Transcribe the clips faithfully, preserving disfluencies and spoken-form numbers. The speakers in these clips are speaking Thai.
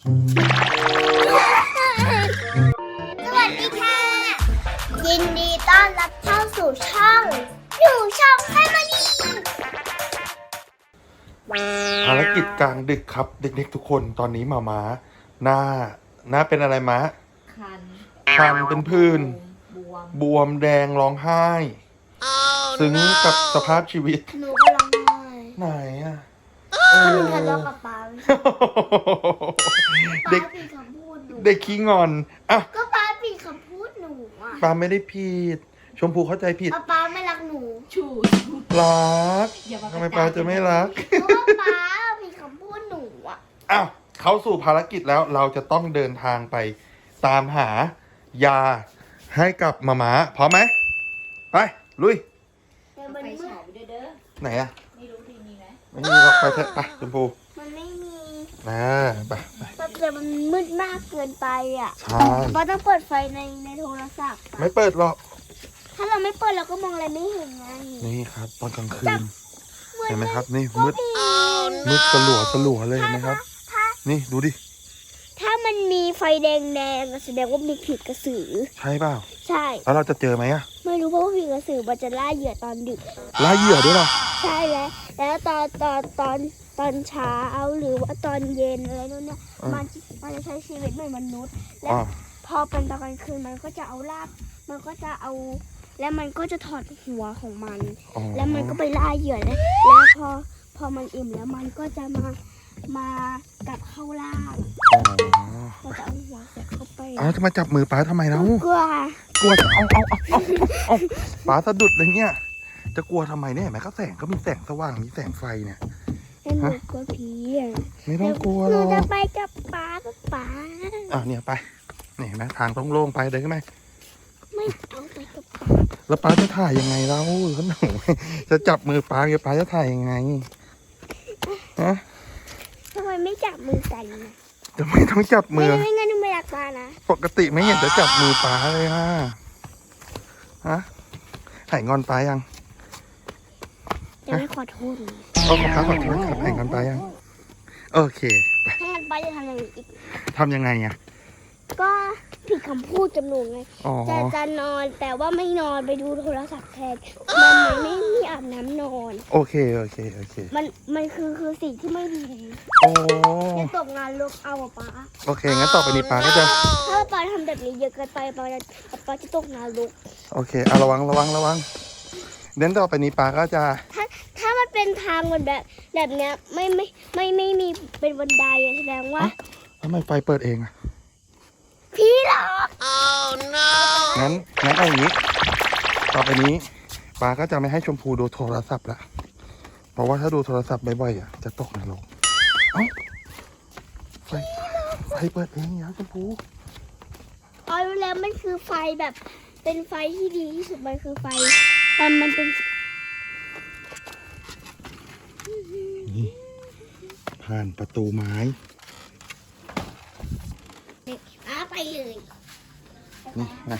สวัสดีค่ะยินดีต้อนรับเข้าสู่ช่องอยู่ช่องแฟมิลี่ภารกิจกลางดึกครับเด็กๆทุกคนตอนนี้หมาม้าหน้าหน้าเป็นอะไรมะคันคันเป็นผื่นบวมบวมแดงร้องไห้ ซึ้งกับสภาพชีวิตหนูก็ร้องไห้ไหนอ่ะหนูทะเลาะกับป๊าเด็กป๊าผิดคำพูดหนูเด็กขี้งอนอ่ะก็ป๊าผิดคำพูดหนูอ่ะปาไม่ได้ผิดชมพูเข้าใจผิดป๊าป๊าไม่รักหนูชูรักอย่ามาทำไมปาจะไม่รักเพราะว่าป๊าผิดคำพูดหนูอ่ะอ้าวเข้าสู่ภารกิจแล้วเราจะต้องเดินทางไปตามหายาให้กับหมาม้าพร้อมไหมไปลุยแต่มันไปมืฉายดไปด้วยเด้อไหนอะไม่รู้ที่มีไหมไม่มีหรอกไปเถอะไปชมพูมันไม่มีนะไปไปแต่มันมืดมากเกินไปอ่ะใช่ป๊าต้องเปิดไฟในในโทรศัพท์ไม่เปิดหรอกถ้าเราไม่เปิดเราก็มองอะไรไม่เห็นไงนี่ครับตอนกลางคืนมืดเห็นไหมครับนี่ก็มืดมีมืดสลัวสลัวเลยเห็นไหมครับถ้านี่ดูดิถ้ามันมีไฟแดงแดงๆแสดงว่ามีผีกระสือใช่เปล่าใช่แล้วเราจะเจอไหมอะไม่รู้เพราะว่าผีกระสือมันจะล่าเหยื่อตอนดึกล่าเหยื่อด้วยเหรอใช่แล้ว แล้วตอนตอนตอนตอนเช้าหรือว่าตอนเย็นอะไรนู่นเนี่ยมันมันจะใช้ชีวิตเหมือนมนุษย์ และอ๋อพอเป็นตอนกลางคืนมันก็จะเอาลากมันก็จะเอา แล้วมันก็จะถอดหัวของมันอ๋อแล้วมันก็ไปล่าเหยื่อแล้วแล้วพอพอมันอิ่มแล้วมันก็จะมามากลับเข้าล่างอ๋อเราจะเอาหัวใส่เข้าไปเอาจะมาจับมือป้าทำไมแล้วกลัวกลัวจะเอาเอาเอาเอาเอาป้าสะดุดเลยเนี่ยจะกลัวทำไมเนี่ยเห็นไหมก็แสงก็มีแสงสว่างมีแสงไฟเนี่ยแต่หนูกลัวผีอ่ะไม่ต้องกลัวหหรนูอกจะไปกับป๊ากับป๊าอ่ะเนี่ยไปนี่เห็นไหมทางโล่งๆไปเดินขึ้นไหมไม่เอาไปกับป๊าแล้วป้าจะถ่ายยังไงเราขนมจะจับมือป้ากับป้าจะถ่ายยังไงฮะทำไมไม่จับมือกันนะจะไม่ต้องจับไม่มือไม่งั้นหนูไม่รักป๊านะปกติไม่เห็นจะจับมือป้าเลยฮะฮะหายงอนป้ายังจะไม่ขอโทษหนูโอ้ขอป้าขอโทษครับหายงอนป้ายังโอเคไปถ้างั้นป๊าจะทำอะไรอีกทำยังไงอ่ะก็ผิดคำพูดจำหนูไงอ๋อจะจะนอนแต่ว่าไม่นอนไปดูโทรศัพท์แทนมันไม่มีอาบน้ำนอนโอเคโอเคโอเคมันมันคือคือสิ่งที่ไม่ดีโอ้จะตกงานลกเอาอะป๊าโอเคงั้นต่อไปนี้ป้าก็จะถ้าป๊าทำแบบนี้เยอะเกินไปป๊าจะป๊าจะตกงานลกโอเคเอาระวังระวังระวังเดินต่อไปนี้ป้าก็จะถ้าถ้ามันเป็นทางเหมือนแบบแบบเนี้ยไม่ไม่ไม่ไม่มีเป็นบันไดอะแสดงว่าทำไมไฟเปิดเองอ่ะพี่หลอกงั้นงั้นเอาอย่างนี้ ต่อไปนี้ป้าก็จะไม่ให้ชมพูดูโทรศัพท์ละเพราะว่าถ้าดูโทรศัพท์บ่อยๆอ่ะจะตกนรกเอ้าไฟไฟเปิดเองอย่าชมพูเอาแล้วมันคือไฟแบบเป็นไฟที่ดีที่สุดมันคือไฟมันมันเป็นนี่ผ่านประตูไม้อ้าไปเลยนี่นะ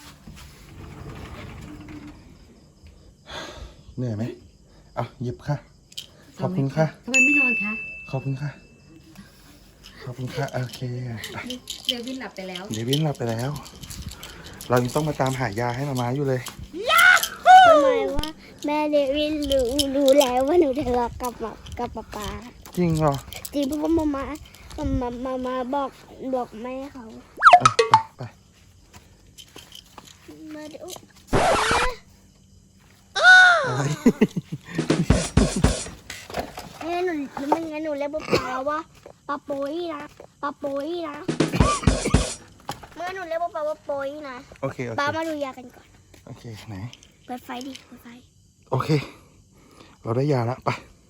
เหนื่อยไหมเอาหยิบค่ะ ขอบคุณค่ะทำไมไม่นอนคะขอบคุณค่ะ ขอบคุณค่ะ โอเคไปเดวินหลับไปแล้วเดวินหลับไปแล้ว เรายังต้องมาตามหายาให้มาม้าอยู่เลยทำไมว่าแม่เดวินรู้รู้แล้วว่าหนูทะเลาะกับป๊ากับป๊าป๊าจริงเหรอจริงเพราะว่ามามามามามาบอกบอกแม่เขาเออไปไปมาดูอะไรงั้นหนูไม่งั้นหนูเรียกป๊าป๊าว่าปาโป้ยนะปาโป้ยนะเมื่อหนูเรียกป๊าป๊าว่าโป้ยนะโอเค โอเคป๊ามาดูยากันก่อนโอเค ไหนเปิดไฟดิเปิดไฟโอเค เราได้ยาแล้วไป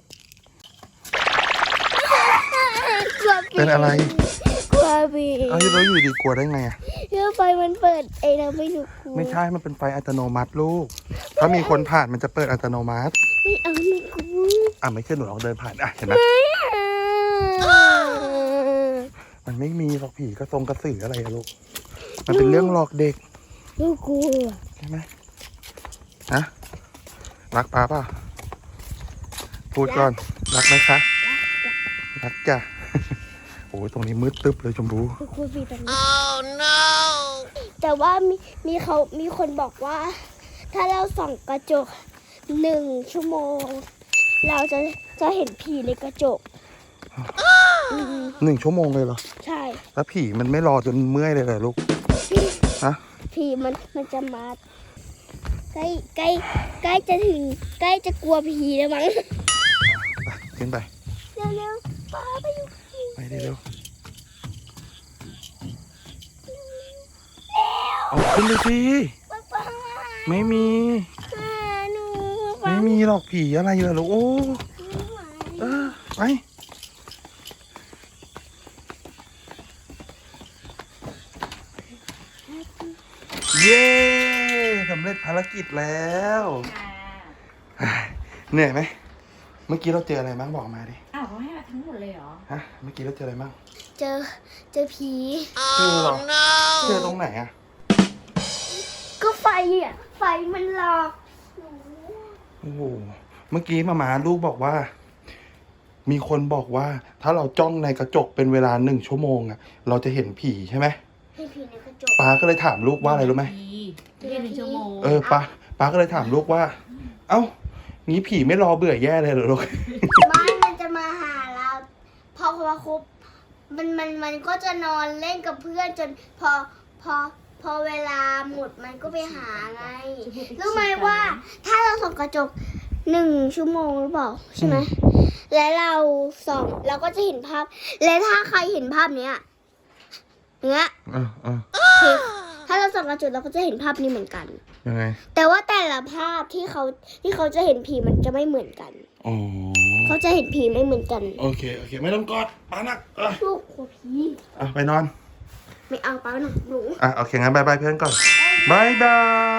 กลัวผีเป็นอะไรกลัวผีเอ้ยเราอยู่ดีกลัวได้ไงอ่ะเรื่องไฟมันเปิดเองเราไม่รู้กลัวไม่ใช่ มันเป็นไฟอัตโนมัติลูก ถ้ามีคนผ่านมันจะเปิดอัตโนมัติไม่เอาหนูกลัวอ่ะไม่ใช่หนูลองเดินผ่าน อ่ะ เห็นไหมไม่เอามันไม่มีหรอกผีกระทรงกระสืออะไรอะลูก มันเป็นเรื่องหลอกเด็กหนูกลัวใช่ไหมฮะรักป้าเปล่าพูดก่อน รักไหมคะ รักจ้ะ โอ้ยตรงนี้มืดตึ๊บเลยชมพูคุณครูปีตรงนี้ oh no แต่ว่ามีมีเขามีคนบอกว่า ถ้าเราส่องกระจกหนึ่งชั่วโมง เราจะจะเห็นผีในกระจกอืมหนึ่งชั่วโมงเลยเหรอใช่แล้วผีมันไม่รอจนเมื่อยเลยเหรอลูก ฮะผีมันมันจะมาใกล้ใกล้ใกล้จะถึงใกล้จะกลัวผีแล้วมั้งไปขึ้นไปเร็วๆป้าไปอยู่ไปเร็วเอาขึ้นไปสิป้าป้าไม่มีหาหนูป้าไม่มีหรอกผีอะไรเหรอลูกโอ้ไม่ไหวเออไปเย้สำเร็จภารกิจแล้วค่ะเหนื่อยไหมเมื่อกี้เราเจออะไรบ้างบอกมาดิอ้าวเขาให้มาทั้งหมดเลยเหรอฮะเมื่อกี้เราเจออะไรบ้างเจอเจอผีเจอเหรอเจอตรงไหนอะก็ไฟอ่ะไฟมันหลอกหนูโอ้โหเมื่อกี้มามาลูกบอกว่า มีคนบอกว่า ถ้าเราจ้องในกระจกเป็นเวลาหนึ่งชั่วโมงอะเราจะเห็นผีใช่ไหมให้ผีในกระจกป้าก็เลยถามลูกว่าอะไรรู้ไหมเรียนหนึ่งชั่วโมงเออป้าป้าก็เลยถามลูกว่า เอ้างี้ผีไม่รอเบื่อแย่เลยเหรอลูกบ้านมันจะมาหาเราพอพอครบมันมันมันก็จะนอนเล่นกับเพื่อนจนพอพอพอเวลาหมดมันก็ไปหาไงรู้ไหมว่า ถ้าเราส่องกระจกหนึ่งชั่วโมงหรือเปล่าใช่ไหมและเราส่องเราก็จะเห็นภาพ และถ้าใครเห็นภาพเนี้ยเนี้ยเออเออคือถ้าเราส่องกระจกเราก็จะเห็นภาพนี้เหมือนกันยังไงแต่ว่าแต่ละภาพที่เขาที่เขาจะเห็นผีมันจะไม่เหมือนกันอ๋อเขาจะเห็นผีไม่เหมือนกันโอเคโอเค ไม่ต้องกอดป้านักเออลูกกลัวผีอ่ะไปนอนไม่เอาป้าหนูหนูอ่ะโอเคงั้นบายบายเพื่อนก่อนบายบาย